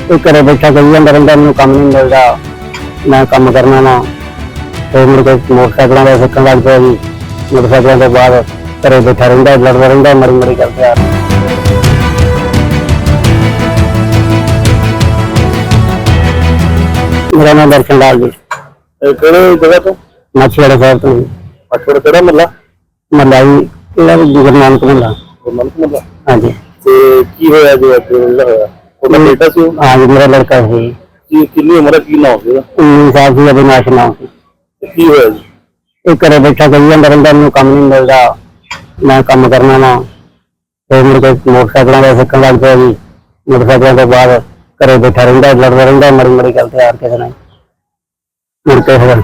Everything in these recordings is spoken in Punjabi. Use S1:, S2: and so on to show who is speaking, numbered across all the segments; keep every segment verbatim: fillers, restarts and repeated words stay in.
S1: ਇਹ ਘਰੇ ਬੈਠਾ ਕਹੀ ਜਾਂਦਾ ਰਹਿੰਦਾ ਮੈਨੂੰ ਕੰਮ ਨਹੀਂ ਮਿਲਦਾ, ਮੈਂ ਕੰਮ ਕਰਨਾ ਵਾ। ਫਿਰ ਮੁੜ ਕੇ ਮੋਟਰਸਾਈਕਲਾਂ ਦਾ ਸਿੱਖਣ ਲੱਗ ਪਿਆ ਜੀ। ਮੋਟਰਸਾਈਕਲਾਂ ਤੋਂ ਬਾਅਦ ਘਰੇ ਬੈਠਾ ਰਹਿੰਦਾ, ਲੜਦਾ ਰਹਿੰਦਾ, ਮਰੀ ਮਰੀ ਕਰਦਾ। ਮੇਰਾ ਨਾਮ ਦਰਸ਼ਨ ਲਾਲ ਜੀ।
S2: ਕਿਹੜੇ ਜਗ੍ਹਾ ਤੋਂ?
S1: ਮਾਛੀਵਾੜਾ ਸਾਹਿਬ ਤੋਂ।
S2: ਮਾਛੀਵਾੜਾ ਕਿਹੜਾ ਮੱਲਾ?
S1: ਮੱਲਾ ਜੀ ਇਹਦਾ ਗੁਰੂ ਨਾਨਕ ਮੱਲਾ।
S2: ਗੁਰੂ ਨਾਨਕ ਮੱਲਾ।
S1: ਹਾਂਜੀ।
S2: ਤੇ ਕੀ ਹੋਇਆ ਜੋ ਅੱਜ ਹੋਇਆ? ਉਹਦਾ ਬੇਟਾ ਸੀ?
S1: ਹਾਂਜੀ, ਮੇਰਾ ਲੜਕਾ ਸੀ।
S2: ਕੀ ਕਿੰਨੀ ਉਮਰ ਹੈ, ਕੀ ਨਾਮ ਸੀ ਉਹਦਾ?
S1: ਉੱਨੀ ਸਾਲ ਸੀ, ਅਵਿਨਾਸ਼ ਨਾਮ ਸੀ।
S2: ਕੀ ਹੋਇਆ ਜੀ?
S1: ਇਹ ਘਰੇ ਬੈਠਾ ਕਹੀ ਜਾਂਦਾ ਰਹਿੰਦਾ ਮੈਨੂੰ ਕੰਮ ਨਹੀਂ ਮਿਲਦਾ, ਮੈਂ ਕੰਮ ਕਰਨਾ ਵਾ। ਫਿਰ ਮੁੜ ਕੇ ਮੋਟਰਸਾਈਕਲਾਂ ਦਾ ਸਿੱਖਣ ਲੱਗ ਪਿਆ ਜੀ। ਮੋਟਰਸਾਈਕਲਾਂ ਤੋਂ ਬਾਅਦ ਘਰੇ ਬੈਠਾ ਰਹਿੰਦਾ, ਲੜਦਾ ਰਹਿੰਦਾ, ਮਰੀ ਮਰੀ ਕਰਦੇ ਯਾਰ ਕਿਸੇ ਨਾਲ। ਮੁੜ ਕੇ ਫਿਰ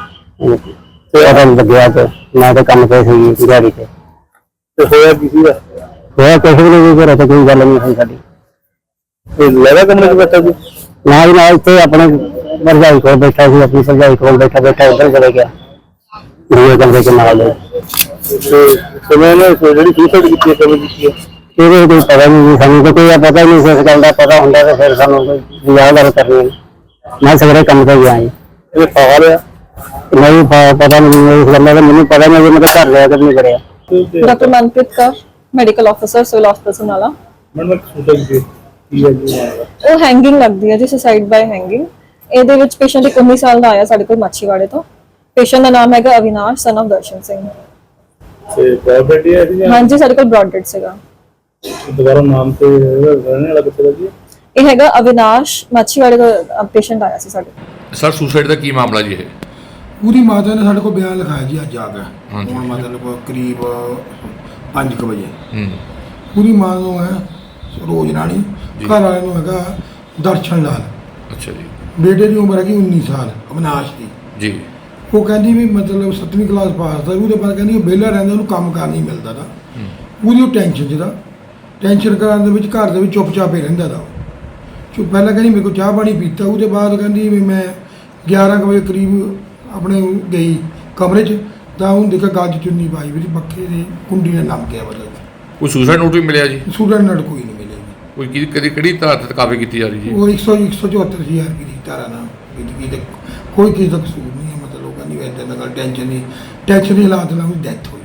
S1: ਪਤਾ ਨੀ ਲੱਗਿਆ ਕਿ ਮੈਂ ਤਾਂ ਕੰਮ ਤੇ ਸੀ ਦਿਹਾੜੀ ਤੇ।
S2: ਤੇ ਹੋਇਆ ਕੀ ਸੀਗਾ?
S1: ਹੋਇਆ ਕੁਛ ਵੀ ਨਹੀਂ, ਘਰੇ ਤਾਂ ਕੋਈ ਗੱਲ ਨਹੀਂ ਸੀ ਸਾਡੀ।
S2: ਇਹ ਲਗਾ ਕਮਰੇ 'ਚ ਬੈਠਾ ਸੀ?
S1: ਨਾਲ ਨਾਲ ਇੱਥੇ ਆਪਣੇ ਭਰਜਾਈ ਕੋਲ ਬੈਠਾ ਸੀ, ਆਪਣੀ ਭਰਜਾਈ ਕੋਲ ਬੈਠਾ ਬੈਠਾ ਉੱਧਰ ਚਲੇ ਗਿਆ ਦੂਏ ਕਮਰੇ ਚ ਨਾਲ।
S2: ਤੇ ਸਮੇਂ ਨੇ ਜਿਹੜੀ ਸੁਸਾਈਡ ਕੀਤੀ ਹੈ ਕਦੋਂ ਕੀਤੀ ਹੈ?
S1: ਇਹਦੇ ਕੋਈ ਪਤਾ ਨਹੀਂ ਸਾਨੂੰ, ਤਾਂ ਕੋਈ ਪਤਾ ਹੀ ਨਹੀਂ ਸੀ ਇਸ ਗੱਲ ਦਾ। ਪਤਾ ਹੁੰਦਾ ਤਾਂ ਫਿਰ ਸਾਨੂੰ ਵਿਆਹ ਗੱਲ ਕਰਨੀ। ਮੈਂ ਸਵੇਰੇ ਕੰਮ ਤੇ ਗਿਆ ਜੀ।
S2: ਇਹ ਫਾਹਾ ਲਿਆ?
S1: ਨਹੀਂ ਪਤਾ ਨਹੀਂ ਇਸ ਗੱਲ ਦਾ, ਮੈਨੂੰ ਪਤਾ ਨਹੀਂ, ਮੈਂ ਤਾਂ ਘਰ ਲਿਆ ਕਿ ਨਹੀਂ ਕਰਿਆ।
S3: Doctor Manpreet Kaur, medical officer, civil ਹਸਪਤਾਲ ਨਾਲਾ।
S2: ਮੈਨੂੰ ਸੁਸਾਈਡ ਕੀ ਹੈ ਜੀ?
S3: ਉਹ ਹੈਂਗਿੰਗ ਲੱਗਦੀ ਹੈ ਜੀ, ਸੁਸਾਈਡ ਬਾਈ ਹੈਂਗਿੰਗ। ਇਹਦੇ ਵਿੱਚ ਪੇਸ਼ੈਂਟ ਇੱਕ ਉੱਨੀ ਸਾਲ ਦਾ ਆਇਆ ਸਾਡੇ ਕੋਲ ਮਾਛੀਵਾੜੇ ਤੋਂ। ਪੇਸ਼ੈਂਟ ਦਾ ਨਾਮ ਹੈਗਾ ਅਵਿਨਾਸ਼, ਸਨ ਆਫ ਦਰਸ਼ਨ ਸਿੰਘ।
S2: ਤੇ ਬ੍ਰੌਡ ਹੈ ਜੀ?
S3: ਹਾਂਜੀ, ਸਾਡੇ ਕੋਲ ਬ੍ਰੌਡ ਡੈਡ ਸੀਗਾ।
S2: ਦੁਬਾਰਾ ਨਾਮ ਤੇ ਰਹਿਣ ਵਾਲਾ ਕਿੱਥੇ ਦਾ ਜੀ?
S3: ਇਹ ਹੈਗਾ ਅਵਿਨਾਸ਼, ਮਾਛੀਵਾੜੇ ਦਾ ਪੇਸ਼ੈਂਟ ਆਇਆ ਸੀ ਸਾਡੇ।
S4: ਸਰ ਸੁਸਾਈਡ ਦਾ ਕੀ ਮਾਮਲਾ ਜੀ? ਇਹ
S5: ਪੂਰੀ ਮਾਤਾ ਨੇ ਸਾਡੇ ਕੋਲ ਬਿਆਨ ਲਿਖਾਇਆ ਜੀ ਅੱਜ ਆ ਕੇ। ਹੁਣ ਮਤਲਬ ਕਰੀਬ ਪੰਜ ਕੁ ਵਜੇ।
S4: ਹੂੰ।
S5: ਪੂਰੀ ਮਾਂ ਨੂੰ ਹੈ ਰੋਜ਼ ਰਾਣੀ, ਘਰ ਵਾਲੇ ਨੂੰ ਹੈਗਾ ਦਰਸ਼ਨ ਲਾਲ।
S4: ਅੱਛਾ ਜੀ।
S5: ਬੇਟੇ ਦੀ ਉਮਰ ਹੈਗੀ ਉੱਨੀ ਸਾਲ, ਅਵਿਨਾਸ਼ ਦੀ
S4: ਜੀ।
S5: ਉਹ ਕਹਿੰਦੀ ਵੀ ਮਤਲਬ ਸੱਤਵੀਂ ਕਲਾਸ ਪਾਸ ਦਾ, ਉਹਦੇ ਬਾਅਦ ਕਹਿੰਦੀ ਵਿਹਲਾ ਰਹਿੰਦਾ, ਉਹਨੂੰ ਕੰਮ ਕਾਰ ਨਹੀਂ ਮਿਲਦਾ ਦਾ। ਉਹਦੀ ਉਹ ਟੈਨਸ਼ਨ ਜਿਹਦਾ ਟੈਨਸ਼ਨ ਕਰਨ ਦੇ ਵਿੱਚ ਘਰ ਦੇ ਵਿੱਚ ਚੁੱਪ-ਚਾਪ ਹੀ ਰਹਿੰਦਾ ਦਾ। ਚੁੱਪ ਪਹਿਲਾਂ ਕਹਿੰਦੀ ਮੇਰੇ ਕੋਲ ਚਾਹ ਪਾਣੀ ਪੀਤਾ, ਉਹਦੇ ਬਾਅਦ ਕਹਿੰਦੀ ਵੀ ਮੈਂ ਗਿਆਰਾਂ ਕੁ ਵਜੇ ਕਰੀਬ ਆਪਣੇ ਗਈ ਕਮਰੇ 'ਚ, ਤਾਂ ਉਹਨੂੰ ਦੇਖਿਆ ਗਲ 'ਚ ਚੁੰਨੀ ਪਾਈ ਵੀ ਪੱਖੇ ਦੀ ਕੁੰਡੀ ਨਾਲ ਨਮ ਗਿਆ। ਮਤਲਬ
S4: ਕੋਈ ਸੁਸਾਈਡ ਨੋਟ ਵੀ ਮਿਲਿਆ ਜੀ?
S5: ਸਟੂਡੈਂਟ ਨਾਲ ਕੋਈ ਨਹੀਂ ਮਿਲਿਆ।
S4: ਕੋਈ ਕਿਹਦੀ ਕਦੀ ਕਿਹੜੀ ਧਾਰਾ ਤੇ ਕਾਫੀ ਕੀਤੀ ਜਾ ਰਹੀ ਜੀ?
S5: ਉਹ ਇੱਕ ਸੌ ਇੱਕ ਸੌ ਚੁਹੱਤਰ ਹਜ਼ਾਰ ਰੁਪਏ ਦੀ ਧਾਰਾ ਨਾਲ ਕੀਤੀ। ਕੋਈ ਕਿਸੇ ਦਾ ਕਸੂਰ ਨਹੀਂ ਹੈ। ਮਤਲਬ ਉਹ ਕਹਿੰਦੀ ਇੱਦਾਂ ਦਾ ਗੱਲ ਟੈਨਸ਼ਨ ਨਹੀਂ, ਟੈਨਸ਼ਨ ਦੀ ਹਾਲਾਤ ਨਾਲ ਉਹਦੀ ਡੈਥ ਹੋਈ।